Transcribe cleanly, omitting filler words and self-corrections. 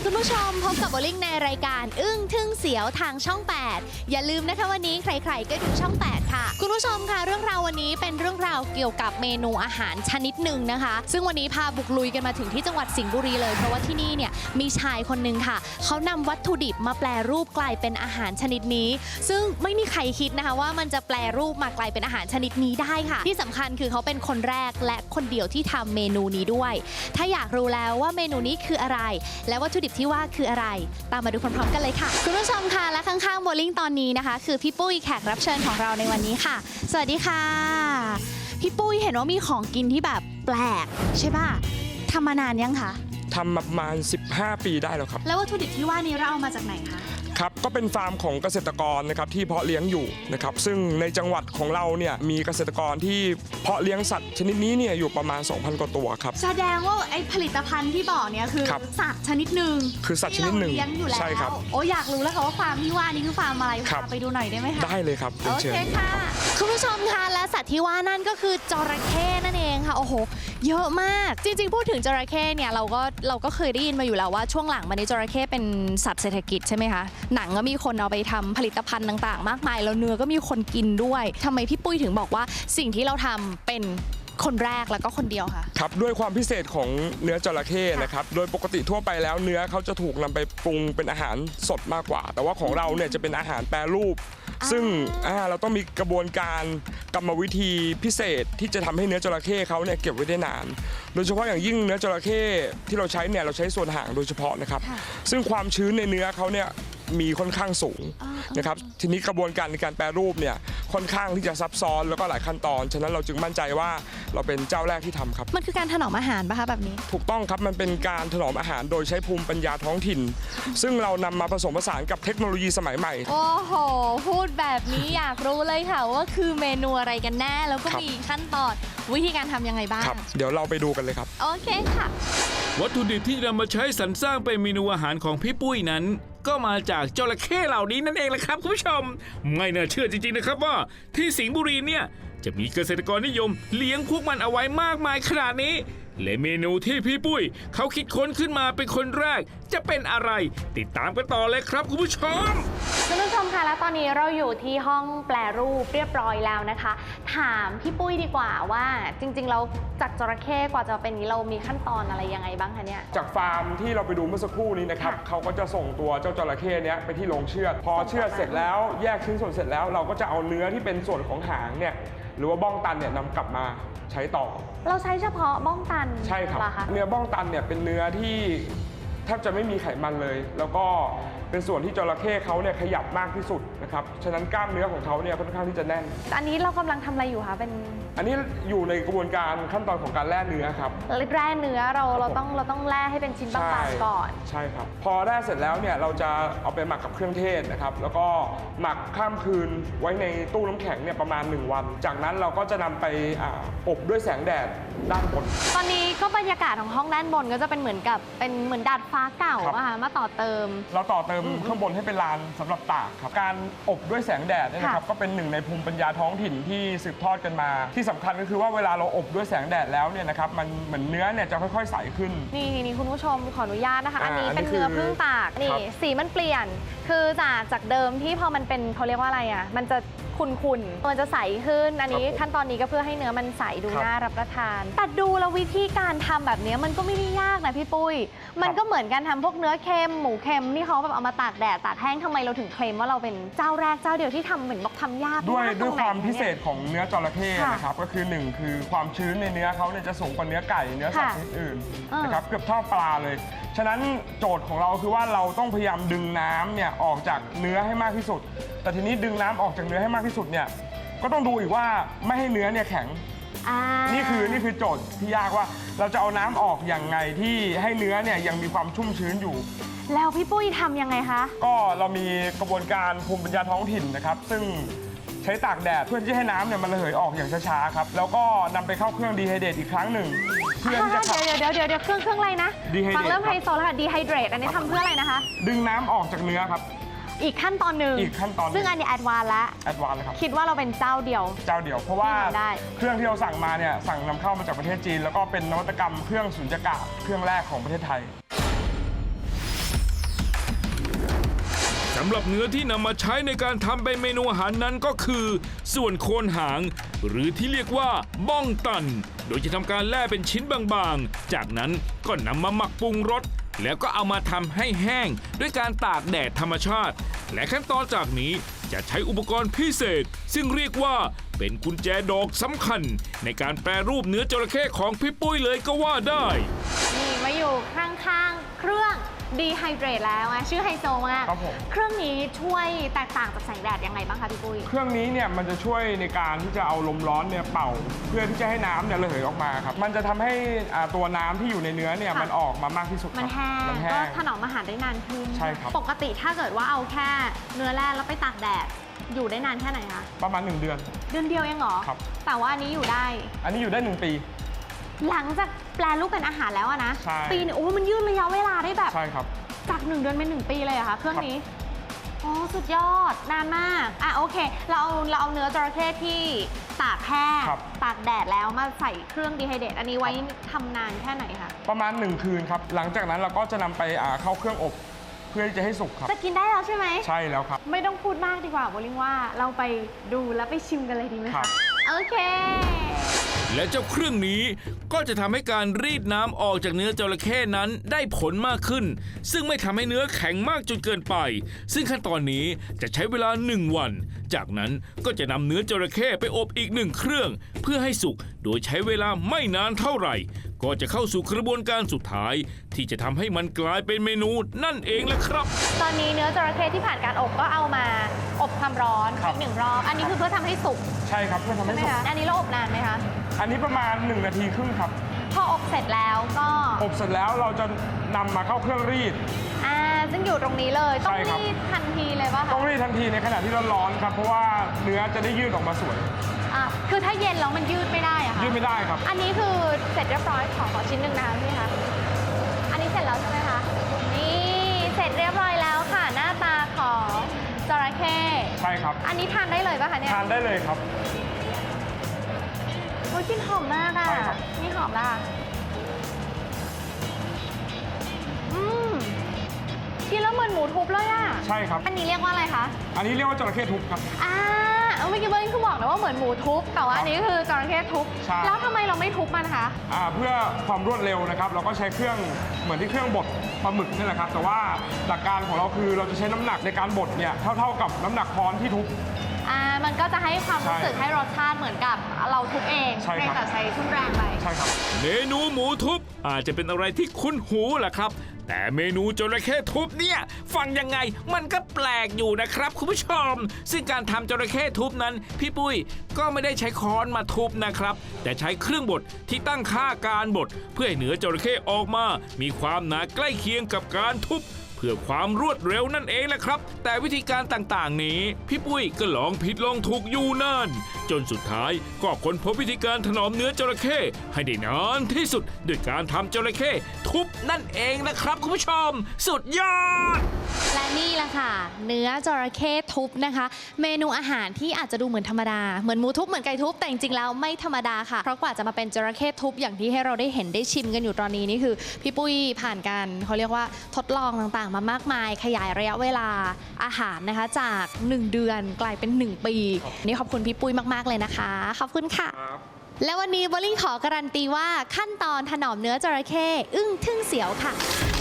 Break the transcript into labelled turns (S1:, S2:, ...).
S1: คุณผู้ชมพบกับโบลิ่งในรายการอึ้งทึ่งเสียวทางช่อง 8 อย่าลืมนะคะวันนี้ใครๆก็ดูช่อง 8 ค่ะคุณผู้ชมค่ะเรื่องราววันนี้เป็นเรื่องราวเกี่ยวกับเมนูอาหารชนิดหนึ่งนะคะซึ่งวันนี้พาบุกลุยกันมาถึงที่จังหวัดสิงห์บุรีเลยเพราะว่าที่นี่เนี่ยมีชายคนหนึ่งค่ะเขานำวัตถุดิบมาแปรรูปกลายเป็นอาหารชนิดนี้ซึ่งไม่มีใครคิดนะคะว่ามันจะแปรรูปมากลายเป็นอาหารชนิดนี้ได้ค่ะที่สำคัญคือเขาเป็นคนแรกและคนเดียวที่ทำเมนูนี้ด้วยถ้าอยากรู้แล้วว่าเมนูนี้คืออะไรและวัตถุดิบที่ว่าคืออะไรตามมาดูพร้อมๆกันเลยค่ะคุณผู้ชมค่ะและข้างๆโบลิ่งตอนนี้นะคะคือพี่ปุ้ยแขกรับเชิญของเราในวันนี้ค่ะสวัสดีค่ะพี่ปุ้ยเห็นว่ามีของกินที่แบบแปลกใช่ป่ะทำมานานยังคะ
S2: ทำประมาณ15 ปีได้แล้วครับ
S1: แล้ววัตถุดิบที่ว่านี้เราเอามาจากไหนคะ
S2: ครับก็เป็นฟาร์มของเกษตรกรนะครับที่เพาะเลี้ยงอยู่นะครับซึ่งในจังหวัดของเราเนี่ยมีเกษตรกรที่เพาะเลี้ยงสัตว์ชนิดนี้เนี่ยอยู่ประมาณ 2,000 กว่าตัวครับ
S1: แสดงว่าไอ้ผลิตภัณฑ์ที่บอกเนี่ยคือสัตว์ชนิดหนึ่ง
S2: คือสัตว์ชนิดหนึ่ง
S1: ที่เราเลี้ยงอยู่แล้ว
S2: ใช่ครับ
S1: โอ้อยากรู้แล้วค่ะว่าฟาร์มที่ว่านี้คือฟาร์มอะไรพาไปดูหน่อยได้ไหมคะ
S2: ได้เลยครับ
S1: โอเคค่ะคุณผู้ชมคะและสัตว์ที่ว่านั่นก็คือจระเข้นั่นเองค่ะโอ้โหเยอะมากจริงๆพูดถึงจระเข้เนี่ยเราก็เคยได้ยินมาอยู่แล้วว่าช่วงหลังมานี้จระเข้เป็นสัตว์เศรษฐกิจใช่ไหมคะหนังก็มีคนเอาไปทำผลิตภัณฑ์ต่างๆมากมายแล้วเนื้อก็มีคนกินด้วยทำไมพี่ปุ้ยถึงบอกว่าสิ่งที่เราทำเป็นคนแรกแล้วก็คนเดียวค่ะ
S2: ครับด้วยความพิเศษของเนื้อจระเข้นะครับโดยปกติทั่วไปแล้วเนื้อเขาจะถูกนำไปปรุงเป็นอาหารสดมากกว่าแต่ว่าของเราเนี่ยจะเป็นอาหารแปรรูปซึ่งเราต้องมีกระบวนการกรรมวิธีพิเศษที่จะทำให้เนื้อจระเข้เขาเนี่ยเก็บไว้ได้นานโดยเฉพาะอย่างยิ่งเนื้อจระเข้ที่เราใช้เนี่ยเราใช้ส่วนหางโดยเฉพาะนะครับซึ่งความชื้นในเนื้อเขาเนี่ยมีค่อนข้างสูงนะครับทีนี้กระบวนการในการแปรรูปเนี่ยค่อนข้างที่จะซับซ้อนแล้วก็หลายขั้นตอนฉะนั้นเราจึงมั่นใจว่าเราเป็นเจ้าแรกที่ทำครับ
S1: มันคือการถนอมอาหารป่ะคะแบบนี้
S2: ถูกต้องครับมันเป็นการถนอมอาหารโดยใช้ภูมิปัญญาท้องถิ่นซึ่งเรานำมาผสมผสานกับเทคโนโลยีสมัยใหม่
S1: โอ้โหพูดแบบนี้อยากรู้เลยค่ะว่าคือเมนูอะไรกันแน่แล้วก็มีขั้นตอนวิธีการทำยังไงบ้าง
S2: ครับเดี๋ยวเราไปดูกันเลยครับ
S1: โอเคค่ะ
S3: วัตถุดิบที่นำมาใช้สรรสร้างเป็นเมนูอาหารของพี่ปุ้ยนั้นก็มาจากจระเข้เหล่านี้นั่นเองแหละครับคุณผู้ชมไม่น่าเชื่อจริงๆนะครับว่าที่สิงห์บุรีเนี่ยจะมีเกษตรกรนิยมเลี้ยงพวกมันเอาไว้มากมายขนาดนี้และเมนูที่พี่ปุ้ยเขาคิดค้นขึ้นมาเป็นคนแรกจะเป็นอะไรติดตามกันต่อเลยครับคุณผู้ชม
S1: คุณผู้ชมคะและตอนนี้เราอยู่ที่ห้องแปรรูปเรียบร้อยแล้วนะคะถามพี่ปุ้ยดีกว่าว่าจริงๆเราจากจระเข้กว่าจะเป็นนี้เรามีขั้นตอนอะไรยังไงบ้างคะเนี่ย
S2: จากฟาร์มที่เราไปดูเมื่อสักครู่นี้นะครับเขาก็จะส่งตัวเจ้าจระเข้เนี้ยไปที่โรงเชือดพอเชือดเสร็จแล้วแยกชิ้นส่วนเสร็จแล้วเราก็จะเอาเนื้อที่เป็นส่วนของหางเนี่ยหรือว่าบ้องตันเนี่ยนำกลับมาใช้ต่อ
S1: เราใช้เฉพาะบ้องตัน
S2: ใช่ครับเนื้อบ้องตันเนี่ยเป็นเนื้อที่แทบจะไม่มีไขมันเลยแล้วก็เป็นส่วนที่จระเข้เขาเนี่ยขยับมากที่สุดนะครับฉะนั้นกล้ามเนื้อของเขาเนี่ยค่อนข้างที่จะแน่น
S1: อันนี้เรากำลังทำอะไรอยู่คะเป็น
S2: อันนี้อยู่ในกระบวนการขั้นตอนของการแล่เนื้อครับ
S1: แล่เนื้อเราต้องแล่ให้เป็นชิ้นบางๆก่อน
S2: ใช่ครับพอแล่เสร็จแล้วเนี่ยเราจะเอาไปหมักกับเครื่องเทศนะครับแล้วก็หมักข้ามคืนไว้ในตู้น้ำแข็งเนี่ยประมาณ1 วันจากนั้นเราก็จะนำไปอบด้วยแสงแดดด้านบน
S1: ตอนนี้ก็บรรยากาศของห้องด้านบนก็จะเป็นเหมือนดาดฟ้าเก่าอะค่ะมาต่อเติม
S2: เราต่อเติมข้างบนให้เป็นลานสำหรับตากครับการอบด้วยแสงแดดเนี่ยนะครับก็เป็นหนึ่งในภูมิปัญญาท้องถิ่นที่สืบทอดกันมาที่สำคัญก็คือว่าเวลาเราอบด้วยแสงแดดแล้วเนี่ยนะครับมันเหมือนเนื้อเนี่ยจะค่อยๆใสขึ้
S1: นคุณผู้ชมขออนุญาตนะคะอันนี้เป็นเนื้อพึ่งตากนี่สีมันเปลี่ยนคือจากเดิมที่พอมันเป็นเขาเรียกว่าอะไรอ่ะมันจะขุ่นมันจะใสขึ้นอันนี้ขั้นตอนนี้ก็เพื่อให้เนื้อมันใสดูน่ารับประทานแต่ดูแล้ววิธีการทำแบบนี้มันก็ไม่ได้ยากนะพี่ปุ้ยมันก็เหมือนการทำพวกเนื้อเค็มหมูเค็มที่เขาแบบเอามาตากแดดตากแห้งทำไมเราถึงเคลมว่าเราเป็นเจ้าแรกเจ้าเดียวที่ทำเหมือนบอกทำยาก
S2: ด้วยความพิเศษของเนื้อจระเข้นะครับก็คือ1คือความชื้นในเนื้อเขาเนี่ยจะสูงกว่าเนื้อไก่เนื้อสัตว์ชนิดอื่นนะครับเกือบเท่าปลาเลยฉะนั้นโจทย์ของเราคือว่าเราต้องพยายามดึงน้ำเนี่ยออกจากเนื้อให้มากที่สุดแต่ทีนี้ดึงน้ำออกจากเนื้อให้มากที่สุดเนี่ยก็ต้องดูอีกว่าไม่ให้เนื้อเนี่ยแข็งนี่คือโจทย์ที่ยากว่าเราจะเอาน้ำออกอย่างไงที่ให้เนื้อเนี่ยยังมีความชุ่มชื้นอยู่
S1: แล้วพี่ปุ้ยทำยังไงคะ
S2: ก็เรามีกระบวนการภูมิปัญญาท้องถิ่นนะครับซึ่งใช้ตากแดดเพื่อที่ให้น้ำเนี่ยมันระเหยออกอย่างช้าๆครับแล้วก็นำไปเข้าเครื่องดีไฮเดรตอีกครั้งหนึ่ง
S1: เพื่อที่จะเดี๋ยวเครื่องอะไรนะฟังเริ่มไฮโซแล้วค่ะดีไฮเดรตอันนี้ทำเพื่ออะไรนะคะ
S2: ดึงน้ำออกจากเนื้อครับ
S1: อีกขั้นตอนหนึ่งซึ่งอันนี้แอดวานซ์แล้ว
S2: ครับ
S1: คิดว่าเราเป็นเจ้าเดียว
S2: เพราะว่าเครื่องที่เราสั่งมาเนี่ยสั่งนำเข้ามาจากประเทศจีนแล้วก็เป็นนวัตกรรมเครื่องสุญญากาศเครื่องแรกของประเทศไทย
S3: สำหรับเนื้อที่นำมาใช้ในการทำเป็นเมนูอาหารนั้นก็คือ ส่วนโคนหาง หรือที่เรียกว่าบ้องตัน โดยจะทำการแล่เป็นชิ้นบางๆ จากนั้นก็นำมาหมักปรุงรสแล้วก็เอามาทำให้แห้งด้วยการตากแดดธรรมชาติ และขั้นตอนจากนี้จะใช้อุปกรณ์พิเศษ ซึ่งเรียกว่าเป็นกุญแจดอกสำคัญ ในการแปรรูปเนื้อจระเข้ของพี่ปุ้ยเลยก็ว่าได้
S1: นี่มาอยู่ข้างๆ เครื่องดีไฮเดรตแล้วอะชื่อไฮโซมาก
S2: ครับผม
S1: เครื่องนี้ช่วยแตกต่างจากแสงแดดยังไงบ้างคะพี่ปุ้ย
S2: เครื่องนี้เนี่ยมันจะช่วยในการที่จะเอาลมร้อนเนี่ยเป่า เพื่อที่จะให้น้ำเนี่ยระเหยออกมาครับมันจะทำให้ตัวน้ำที่อยู่ในเนื้อเนี่ย
S1: ค่ะ
S2: มันออกมามากที่สุดครับ
S1: มันแห้ง
S2: มันแห้
S1: ก็
S2: ง
S1: ถนอมอาหารได้นานขึ้น
S2: ใช่ครับ
S1: ปกติถ้าเกิดว่าเอาแค่เนื้อแร่แล้วไปตากแดดอยู่ได้นานแค่ไหนคะ
S2: ประมาณ 1 เดือน
S1: เดือนเดียวเองเหรอ
S2: ครับ
S1: แต่ว่าอันนี้อยู่ได้
S2: อันนี้อยู่ได้ 1 ปี
S1: หลังจากแปลรูปเป็นอาหารแล้วอะนะ
S2: ใช่
S1: ปีนึงโอ้มันยืดระยะเวลาได้แบบ
S2: ใช่ครับ
S1: จาก1 เดือนเป็น1 ปีเลยเหรอะคะเครื่องนี้อ๋อสุดยอดนานมากอ่ะโอเคเราเอาเนื้อจระเข้ที่ตากแห้ง
S2: ครับ
S1: ตากแดดแล้วมาใส่เครื่องดีไฮเดรตอันนี้ไว้ทำนานแค่ไหนคะ
S2: ประมาณ 1 คืนครับหลังจากนั้นเราก็จะนำไปเข้าเครื่องอบ เพื่อที่จะให้สุกครับ
S1: จะกินได้แล้วใช่ไหม
S2: ใช่แล้วครับ
S1: ไม่ต้องพูดมากดีกว่าโบลิ่งว่าเราไปดูแล้วไปชิมกันเลยดีไหม
S2: ครั
S1: คะ
S2: บ
S1: โอเค
S3: และเจ้าเครื่องนี้ก็จะทำให้การรีดน้ำออกจากเนื้อจระเข้นั้นได้ผลมากขึ้น ซึ่งไม่ทำให้เนื้อแข็งมากจนเกินไป ซึ่งขั้นตอนนี้จะใช้เวลา 1 วัน จากนั้นก็จะนำเนื้อจระเข้ไปอบอีก1 เครื่อง เพื่อให้สุกโดยใช้เวลาไม่นานเท่าไหร่ ก็จะเข้าสู่กระบวนการสุดท้าย ที่จะทำให้มันกลายเป็นเมนูนั่นเองแหละครับ
S1: ตอนนี้เนื้อจระเข้ที่ผ่านการอบก็เอามาอบความร้อน
S2: ครั
S1: อี
S2: บ
S1: ก1 รอบ อันนี้คือเพื่อทำให้สุก
S2: ใช่ครับเพื่อทำ
S1: ใช่
S2: ให้
S1: ไหม
S2: สุก
S1: คะ อันนี้เราอบนานไหมคะ
S2: อันนี้ประมาณ 1 นาทีครึ่งครับ
S1: พออบเสร็จแล้วก็
S2: อบเสร็จแล้วเราจะนำมาเข้าเครื่องรีด
S1: ซึ่งอยู่ตรงนี้เลย ต้อง
S2: ใช่ครับ
S1: รีดทันทีเลยป่ะคะ
S2: ต้องรีดทันทีในขณะที่ร้อนๆครับเพราะว่าเนื้อจะได้ยืดออกมาสวย
S1: คือถ้าเย็นแล้วมันยืดไม่ได้อะค่ะ
S2: ยืดไม่ได้ครับ
S1: อันนี้คือเสร็จเรียบร้อยขอชิ้นหนึ่งนะคะพี่คะ อันนี้เสร็จแล้วใช่ไหมคะ นี่เสร็จเรียบร้อยแล้วค่ะ หน้าตาของจระเข้
S2: ใช่ครับ
S1: อันนี้ทานได้เลยป่ะคะเนี่ย
S2: ทานได้เลยครับ
S1: โอ้ยกลิ่นหอมมากอะ
S2: ใช่ครับ
S1: นี่หอมละกินแล้วเหมือนหมูทุบเลยอะ
S2: ใช่ครับ
S1: อันนี้เรียกว่าอะไรคะ
S2: อันนี้เรียกว่าจระเข้ทุบครับ
S1: เมื่อกี้เบิร์นคือบอกนะว่าเหมือนหมูทุบ แต่ว่าอันนี้คือจระเข้ทุบ
S2: ใช่
S1: แล้วทำไมเราไม่ทุบมันคะ
S2: เพื่อความรวดเร็วนะครับ เราก็ใช้เครื่องเหมือนที่เครื่องบดปลาหมึกนี่แหละครับ แต่ว่าหลักการของเราคือเราจะใช้น้ำหนักในการบดเนี่ยเท่ากับน้ำหนักค้อนที่ทุบ
S1: มันก็จะให้ความรู้สึก
S2: ใช่
S1: ให้รสชาติเหมือนกับเราทุบเอง
S2: ใช่ครับ
S1: แต่ใช้ทุ่นแรงไป
S2: ใช่ครับ
S3: เมนูหมูทุบอาจจะเป็นอะไรที่คุ้นหูแหละครับ แต่เมนูจระเข้ทุบเนี่ยฟังยังไงมันก็แปลกอยู่นะครับคุณผู้ชม ซึ่งการทำจระเข้ทุบนั้น พี่ปุ้ยก็ไม่ได้ใช้ค้อนมาทุบนะครับ แต่ใช้เครื่องบดที่ตั้งค่าการบดเพื่อให้เนื้อจระเข้ออกมา มีความหนาใกล้เคียงกับการทุบ เพื่อความรวดเร็วนั่นเองแหละครับ แต่วิธีการต่างๆนี้ พี่ปุ้ยก็ลองผิดลองถูกอยู่นานจนสุดท้ายก็ค้นพบวิธีการถนอมเนื้อจระเข้ให้ได้นานที่สุดด้วยการทำจระเข้ทุบนั่นเองนะครับคุณผู้ชม สุดยอด
S1: และนี่แหละค่ะ เนื้อจระเข้ทุบนะคะ เมนูอาหารที่อาจจะดูเหมือนธรรมดาเหมือนหมูทุบเหมือนไก่ทุบแต่จริงๆแล้วไม่ธรรมดาค่ะเพราะกว่าจะมาเป็นจระเข้ทุบอย่างที่ให้เราได้เห็นได้ชิมกันอยู่ตอนนี้นี่คือพี่ปุ้ยผ่านการเขาเรียกว่าทดลองต่างๆ มามากมายขยายระยะเวลาอาหารนะคะจาก 1 เดือนกลายเป็น 1 ปีนี่ขอบคุณพี่ปุ้ยมากๆเลยนะคะขอบคุณค่ะ และวันนี้โบลิ่งขอการันตีว่าขั้นตอนถนอมเนื้อจระเข้อึ้งทึ่งเสียวค่ะ